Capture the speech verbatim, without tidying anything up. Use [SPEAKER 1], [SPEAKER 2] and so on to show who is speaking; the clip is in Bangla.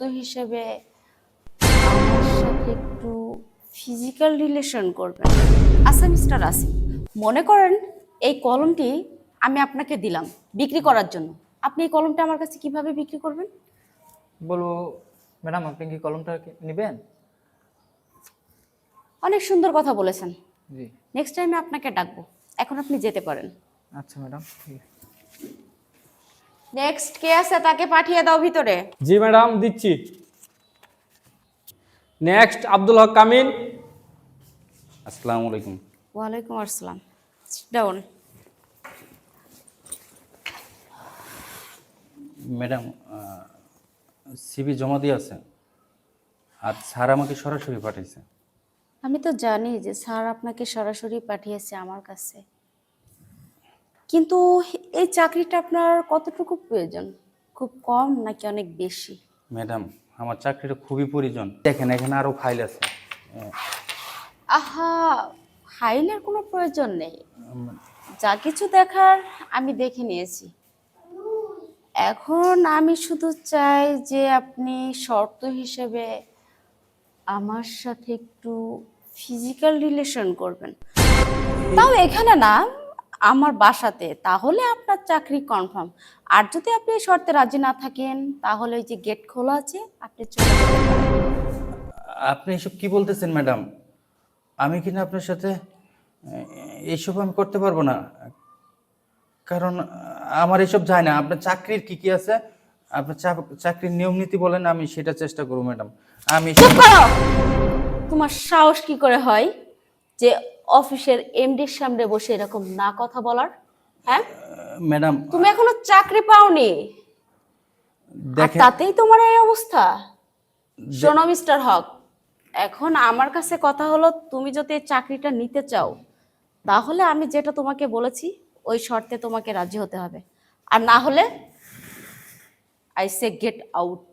[SPEAKER 1] হিসেবে আমার সাথে একটু ফিজিক্যাল রিলেশন করবেন। আচ্ছা মিস্টার আসিফ, মনে করেন এই কলমটি আমি আপনাকে দিলাম বিক্রি করার জন্য, আপনি এই কলমটা আমার কাছে কিভাবে বিক্রি করবেন?
[SPEAKER 2] বলবো ম্যাডাম আপনি কি কলমটা নেবেন?
[SPEAKER 1] অনেক সুন্দর কথা বলেছেন।
[SPEAKER 2] জি।
[SPEAKER 1] নেক্সট টাইমে আপনাকে ডাকবো, এখন আপনি যেতে পারেন।
[SPEAKER 2] আচ্ছা ম্যাডাম।
[SPEAKER 1] নেক্সট কে আছে তাকে পাঠিয়ে দাও ভিতরে।
[SPEAKER 3] জি ম্যাডাম, দিচ্ছি। নেক্সট আব্দুল হক কামিল।
[SPEAKER 4] আসসালামু আলাইকুম।
[SPEAKER 1] ওয়ালাইকুম আসসালাম। ডাউন।
[SPEAKER 4] ম্যাডাম, সিভি জমা দিয়ে আছে আর স্যার আমাকে সরাসরি পাঠিয়েছে।
[SPEAKER 1] আমি তো জানি যে স্যার আপনাকে সরাসরি পাঠিয়েছে আমার কাছে, কিন্তু এই চাকরিটা আপনার কতটুকু প্রয়োজন? খুব কম নাকি অনেক বেশি?
[SPEAKER 4] ম্যাডাম, আমার চাকরিটা খুবই প্রয়োজন। দেখেন এখানে আরও ফাইল আছে।
[SPEAKER 1] আহা, ফাইলের কোনো প্রয়োজন নেই, যা কিছু দেখার আমি দেখে নিয়েছি। এখন আমি শুধু চাই যে আপনি শর্ত হিসেবে আমার সাথে একটু ফিজিক্যাল রিলেশন করবেন, তাও এখানে না, আমার বাসাতে, তাহলে আপনার চাকরি কনফার্ম। আর যদি আপনি এই শর্তে রাজি না থাকেন তাহলে ওই যে গেট খোলা আছে, আপনি চলে যেতে পারেন।
[SPEAKER 4] আপনি এসব কি বলতেছেন ম্যাডাম? আমি কিনা আপনার সাথে এসব আমি করতে পারবো না, কারণ আমার এসব যায় না। আপনার চাকরির কি কি আছে, আপনার চাকরির নিয়ম নীতি বলেন, আমি সেটা চেষ্টা করবো ম্যাডাম। আমি
[SPEAKER 1] চুপ করো! তোমার সাহস কি করে হয় যে অফিসের এমডির সামনে বসে এরকম না কথা বলার? হ্যাঁ,
[SPEAKER 4] ম্যাডাম
[SPEAKER 1] তুমি এখনো চাকরি পাওনি আর
[SPEAKER 4] দেখেন,
[SPEAKER 1] তাতেই তোমার এই অবস্থা। শোনো মিস্টার হক, এখন আমার কাছে কথা হলো, তুমি যদি এই চাকরিটা নিতে চাও তাহলে আমি যেটা তোমাকে বলেছি ওই শর্তে তোমাকে রাজি হতে হবে, আর না হলে আই সে গেট আউট।